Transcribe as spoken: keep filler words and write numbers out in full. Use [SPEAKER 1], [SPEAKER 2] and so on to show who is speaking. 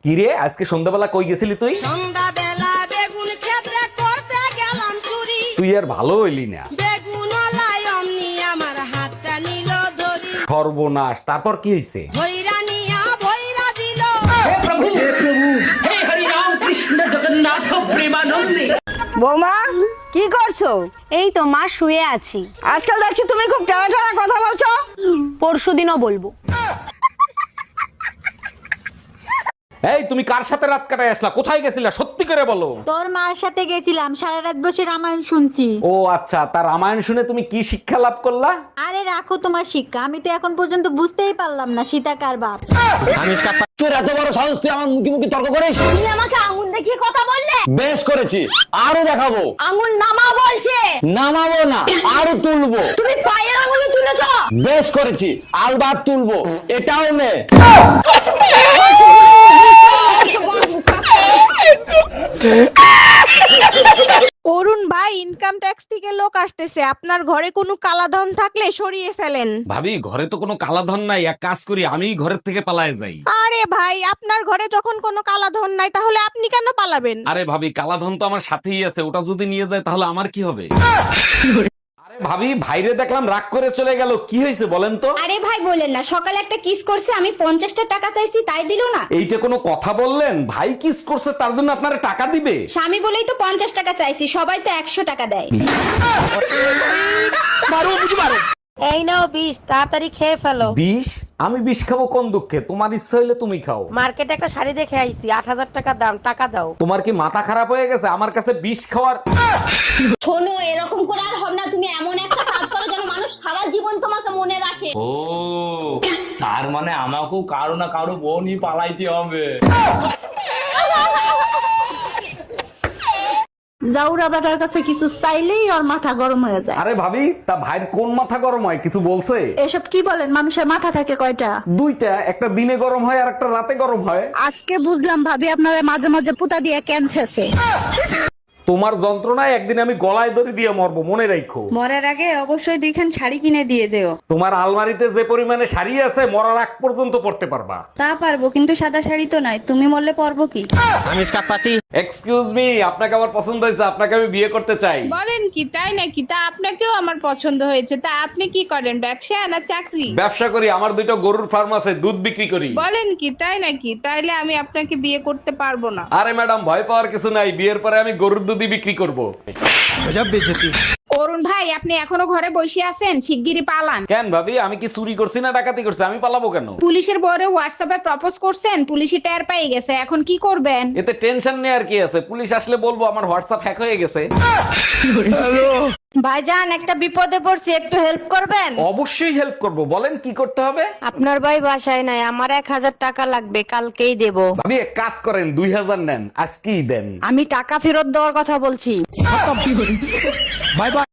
[SPEAKER 1] কিরে আজকে সন্ধ্যাবেলা কই গেছিলি তুই?
[SPEAKER 2] সন্ধ্যাবেলা বেগুন ক্ষেত্রে করতে গেলাম চুরি।
[SPEAKER 1] তুই আর ভালো হইলি না।
[SPEAKER 2] বেগুন লাই অমনি আমার হাতটা নিল ধরি।
[SPEAKER 1] সর্বনাশ, তারপর কি হইছে?
[SPEAKER 2] ভৈরা নিয়া ভৈরা দিল।
[SPEAKER 3] বৌমা কি করছো?
[SPEAKER 4] এই তো মা শুয়ে আছি।
[SPEAKER 3] আজকাল দেখছি তুমি খুব টানা টানা কথা বলছো।
[SPEAKER 4] পরশুদিনও বলবো।
[SPEAKER 1] এই তুমি কার সাথে রাত কাটায় আসলা? কোথায় গেছিলা সত্যি করে বলো।
[SPEAKER 5] তোর মার সাথে গেছিলাম, সারা রাত বসে রামায়ণ শুনছি।
[SPEAKER 1] ও আচ্ছা, তার রামায়ণ শুনে তুমি কি শিক্ষা লাভ করলা?
[SPEAKER 5] আরে রাখো তোমার শিক্ষা, আমি তো এখন পর্যন্ত বুঝতেই পারলাম না সীতা কার বাপ।
[SPEAKER 6] তোর এত বড় সাহস, তুই আমার মুখে মুখে তর্ক করিস?
[SPEAKER 4] তুমি আমাকে আঙুল দেখিয়ে কথা বললে।
[SPEAKER 6] বেশ করেছি, আরো দেখাবো।
[SPEAKER 4] আঙুল নামা বলছে।
[SPEAKER 6] নামাবো না, আরো তুলবো।
[SPEAKER 4] তুমি পায়ের আঙুলে তুলেছো।
[SPEAKER 6] বেশ করেছি, আলবাত তুলবো। এটাও নে।
[SPEAKER 7] অরুণ ভাই, ইনকাম ট্যাক্স থেকে লোক আসতেছে, আপনার ঘরে কোনো কালাধন থাকলে সরিয়ে ফেলেন।
[SPEAKER 1] ভাবি ঘরে তো কোনো কালাধন নাই, এক কাজ করি আমি ঘরের থেকে পালায়ে যাই।
[SPEAKER 7] আরে ভাই, আপনার ঘরে যখন কোনো কালাধন নাই তাহলে আপনি কেন পালাবেন?
[SPEAKER 1] আরে ভাবি কালাধন তো আমার সাথেই আছে, ওটা যদি নিয়ে যায় তাহলে আমার কি হবে? আরে ভাবি ভাইরে দেখলাম রাগ করে চলে গেল, কি হয়েছে বলেন তো?
[SPEAKER 8] আরে ভাই বলেন না, সকালে একটা কিস করছে, আমি পঞ্চাশটা টাকা চাইছি তাই দিল না।
[SPEAKER 1] এইটা কোনো কথা বললেন? ভাই কিস করছে তার জন্য আপনারা টাকা দিবে?
[SPEAKER 8] স্বামী বলেই তো পঞ্চাশ টাকা চাইছি, সবাই তো একশো টাকা দেয়।
[SPEAKER 7] এই নাও বিষ, তাড়াতাড়ি খেয়ে ফেলো।
[SPEAKER 1] বিষ? আমি বিষ খাবো কোন দুঃখে? তোমার ইচ্ছা হইলে তুমি খাও।
[SPEAKER 7] মার্কেটে একটা শাড়ি দেখে আইছি, আট হাজার টাকা দাম, টাকা দাও।
[SPEAKER 1] তোমার কি মাথা খারাপ হয়ে গেছে আমার কাছে বিষ খাওয়ার?
[SPEAKER 4] শোনো, এরকম করে আর হবে না। তুমি এমন একটা কাজ করো যেন মানুষ সারা জীবন তোমাকে মনে রাখে।
[SPEAKER 6] ও তার মানে আমাকেও কারো না কারো বোনই পালাইতে হবে।
[SPEAKER 5] জাউরা বেটার কাছে কিছু চাইলেই ওর মাথা গরম হয়ে যায়।
[SPEAKER 1] আরে ভাবি, তা ভাইয়ের কোন মাথা গরম হয় কিছু বলছে?
[SPEAKER 5] এসব কি বলেন, মানুষের মাথা থাকে কয়টা?
[SPEAKER 1] দুইটা, একটা দিনে গরম হয় আর একটা রাতে গরম হয়।
[SPEAKER 5] আজকে বুঝলাম ভাবি আপনারা মাঝে মাঝে পুতা দিয়ে ক্যান্সারছে।
[SPEAKER 1] তোমার যন্ত্রণায় একদিন আমি গলায় দড়ি দিয়ে মরবো, মনে রাখো।
[SPEAKER 3] মরার আগে অবশ্যই দুইখান শাড়ি কিনে দিয়ে যেও।
[SPEAKER 1] তোমার আলমারিতে যে পরিমাণে শাড়ি আছে মরার আগ পর্যন্ত পড়তে পারবা।
[SPEAKER 3] তা পারবো, কিন্তু সাদা শাড়ি তো নাই। তুমি মরলে পরবো কি?
[SPEAKER 1] এক্সকিউজ মি, আপনাকে আমার পছন্দ হয়েছে, আপনাকে আমি বিয়ে করতে চাই।
[SPEAKER 7] বলেন কি, তাই নাকি? তা আপনাকেও আমার পছন্দ হয়েছে। তা আপনি কি করেন, ব্যবসা না চাকরি?
[SPEAKER 1] ব্যবসা করি, আমার দুইটা গরুর ফার্ম আছে, দুধ বিক্রি করি।
[SPEAKER 7] বলেন কি, তাই নাকি? তাইলে আমি আপনাকে বিয়ে করতে পারবো না।
[SPEAKER 1] আরে ম্যাডাম, ভয় পাওয়ার কিছু নাই, বিয়ের পরে আমি গরুর দুধই বিক্রি করব।
[SPEAKER 7] অরুণ ভাই, আপনি এখনো ঘরে বসে আছেন, শিগগিরই পালান।
[SPEAKER 1] কেন ভাবি, আমি কি চুরি করছি না ডাকাতি করছি? আমি পালাবো কেন?
[SPEAKER 7] পুলিশের বরে হোয়াটসঅ্যাপে প্রপোজ করছেন, পুলিশই টের পেয়ে গেছে, এখন কি করবেন?
[SPEAKER 1] এতে টেনশন নেই আর কি আছে, পুলিশ আসলে বলবো আমার হোয়াটসঅ্যাপ হ্যাক হয়ে গেছে।
[SPEAKER 3] ভাইজান, একটা বিপদে পড়ছি, একটু হেল্প করবেন?
[SPEAKER 1] অবশ্যই হেল্প করব, বলেন কি করতে হবে?
[SPEAKER 3] আপনার ভাই বাসায় নাই, আমার এক হাজার টাকা লাগবে, কালকেই দেব।
[SPEAKER 1] ভাবি এক কাজ করেন, দুই হাজার নেন, আজকেই দেন।
[SPEAKER 3] আমি টাকা ফেরত দেওয়ার কথা বলছি।